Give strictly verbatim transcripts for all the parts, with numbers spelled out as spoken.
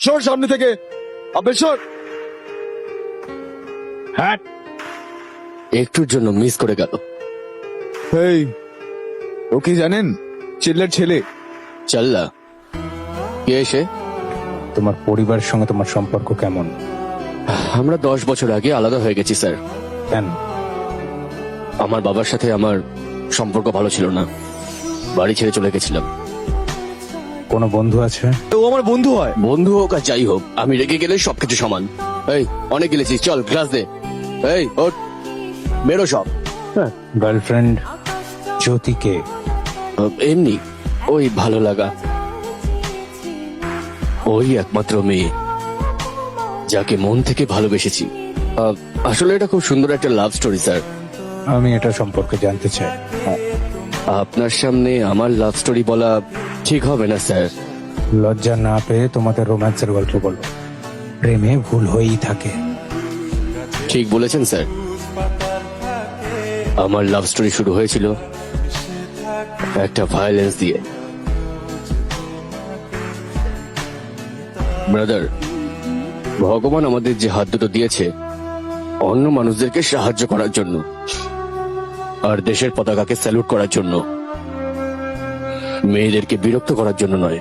সর সামনে থেকে, আবে সর। হ্যাঁ, একটুর জন্য মিস করে গেল। এই, ও কি জানেন? চিল্লার ছেলে। চাল্লা কে এসে? তোমার পরিবারের সঙ্গে তোমার সম্পর্ক কেমন? আমরা দশ বছর আগে আলাদা হয়ে গেছি স্যার। কেন? আমার বাবার সাথে আমার সম্পর্ক ভালো ছিল না, বাড়ি ছেড়ে চলে গেছিলাম। কোনো বন্ধু আছে? ও আমার বন্ধু হয়। বন্ধু হোক আর যাই হোক, আমি রেগে গেলে সবকিছু সমান। এই অনেক গেলেছিস, চল গ্লাস দে। এই ওঠ, বেরো সব। গার্লফ্রেন্ড জ্যোতিকে? এমনি ওই ভালো লাগা, ওই একমাত্র মেয়ে যাকে মন থেকে ভালোবেসেছি। আহ, আসলে এটা খুব সুন্দর একটা লাভ স্টোরি স্যার। আমি এটা সম্পর্কে জানতে চাই। আপনার সামনে আমার লাভ স্টোরি বলা ঠিক হবে না স্যার। লজ্জা না পেয়ে তোমাদের রোম্যান্সের গল্প বলো। প্রেমে ভুল হয়েই থাকে। ঠিক বলেছেন স্যার। আমার লাভ স্টোরি শুরু হয়েছিল একটা ভায়োলেন্স দিয়ে। ব্রাদার, ভগবান আমাদের যে হাত দুটো দিয়েছে অন্য মানুষদেরকে সাহায্য করার জন্য আর দেশের পতাকাকে স্যালুট করার জন্য, মেয়েদেরকে বিরক্ত করার জন্য নয়।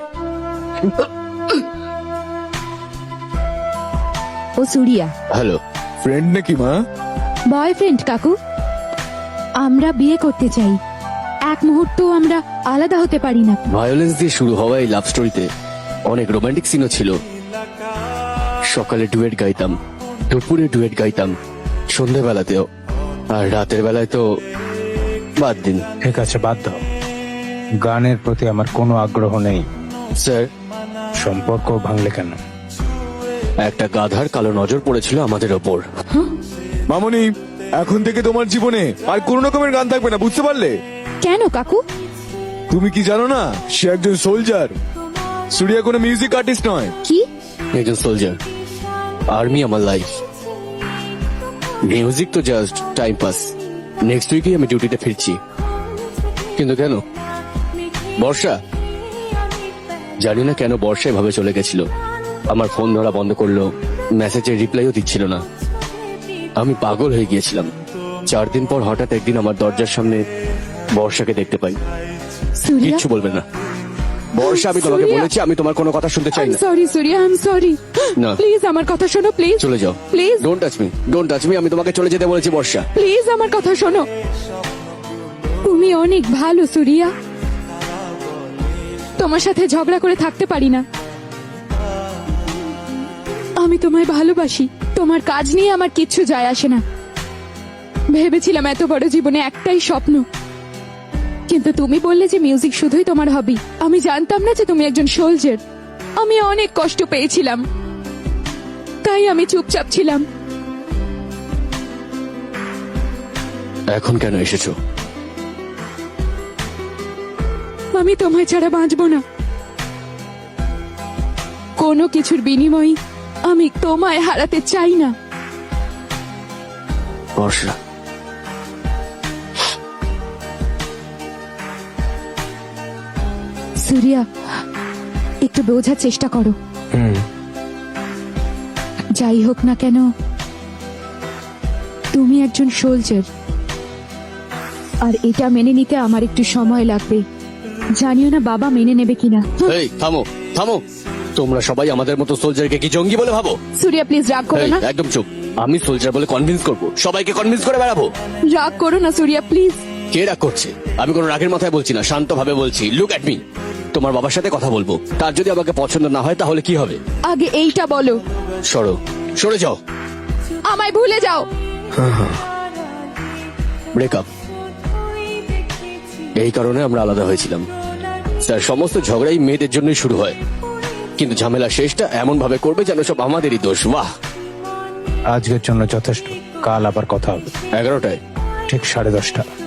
ও সুরিয়া, হ্যালো। ফ্রেন্ড নাকি মা? বয়ফ্রেন্ড কাকু। আমরা বিয়ে করতে চাই, এক মুহূর্ত আমরা আলাদা হতে পারি না। ভায়োলেন্স দিয়ে শুরু হওয়া এই লাভ স্টোরিতে অনেক রোমান্টিক সিনও ছিল। সকালে ডুয়েট গাইতাম, দুপুরে ডুয়েট গাইতাম, সন্ধ্যেবেলাতেও, আর রাতের বেলায় তো বাদ দিন। ঠিক আছে, বাদ দাও। গানের প্রতি আমার কোনো আগ্রহ নেই। স্যার, সম্পর্ক ভাঙলে কেন? একটা গাধার কালো নজর পড়েছিল আমাদের ওপর। মামনি, এখন থেকে তোমার জীবনে আর কোন রকমের গান থাকবে না, বুঝতে পারলে? কেন কাকু? তুমি কি জানো না, সে একজন সোলজার। সুরিয়া কোনো মিউজিক আর্টিস্ট নয়। কি? একজন সোলজার, আর্মি আমার লাইফ, মিউজিক তো জাস্ট টাইম পাস। নেক্সট উইকেই আমি ডিউটিতে ফিরছি। কিন্তু কেন? বর্ষা, জানি না কেন বর্ষা এভাবে চলে গেছিল। আমার ফোন ধরা বন্ধ করলো, মেসেজের রিপ্লাইও দিচ্ছিল না। আমি পাগল হয়ে গিয়েছিলাম। চার দিন পর হঠাৎ একদিন আমার দরজার সামনে বর্ষাকে দেখতে পাই। সুরিয়া, কিচ্ছু বলবে না। বর্ষা, আমি তোমাকে সুরিয়া। বলেছি আমি তোমার কোনো কথা শুনতে চাই না। Sorry Surya, I am sorry. না। প্লিজ আমার কথা শোনো, প্লিজ। চলে যাও, please don't touch me, don't touch me. আমি তোমাকে চলে যেতে বলেছি বর্ষা। প্লিজ আমার কথা শোনো। তুমি অনেক ভালো সুরিয়া, তোমার সাথে ঝগড়া করে থাকতে পারি না। আমি তোমায় ভালোবাসি, তোমার কাজ নিয়ে আমার কিচ্ছু যায় আসে না। ভেবেছিলাম এত বড় জীবনে একটাই স্বপ্ন, কিন্তু তুমি বললে যে মিউজিক শুধুই তোমার হবি। আমি জানতাম না যে তুমি একজন সোলজার। আমি অনেক কষ্ট পেয়েছিলাম, তাই আমি চুপচাপ ছিলাম। এখন কেন এসেছো? আমি তোমায় ছাড়া বাঁচবো না। কোনো কিছুর বিনিময়ে আমি তোমায় হারাতে চাই না। বর্ষা, সুরিয়া, একটু বোঝার চেষ্টা করো। হুম, যাই হোক না কেন, তুমি একজন সোলজার, আর এটা মেনে নিতে আমার একটু সময় লাগবে। জানিও না বাবা মেনে নেবে কিনা। এই থামো, থামো। তোমরা সবাই আমাদের মতো সোলজারকে কি জঙ্গি বলে ভাবো? সুরিয়া প্লিজ রাগ করো এই, না। একদম চুপ। আমি সোলজার বলে কনভিন্স করব, সবাইকে কনভিন্স করে বেড়াবো। রাগ করো না সুরিয়া প্লিজ। কে রাগ করছে? আমি কোনো রাগের মাথায় বলছি না, শান্ত ভাবে বলছি। Look at me. তোমার বাবার সাথে কথা বলবো, তার যদি আমাকে পছন্দ না হয় তাহলে কি হবে? আগে এইটা বলো। সরো, সরে যাও। আমায় ভুলে যাও। ব্রেকআপ। এই কারণে আমরা আলাদা হয়েছিলাম। স্যার, সমস্ত ঝগড়াই মেয়েদের জন্যই শুরু হয়, কিন্তু ঝামেলা শেষটা এমন ভাবে করবে যেন সব আমাদেরই দোষ। বাহ। আজকের জন্য যথেষ্ট। কাল আবার কথা হবে। এগারোটায় ঠিক সাড়ে দশটা।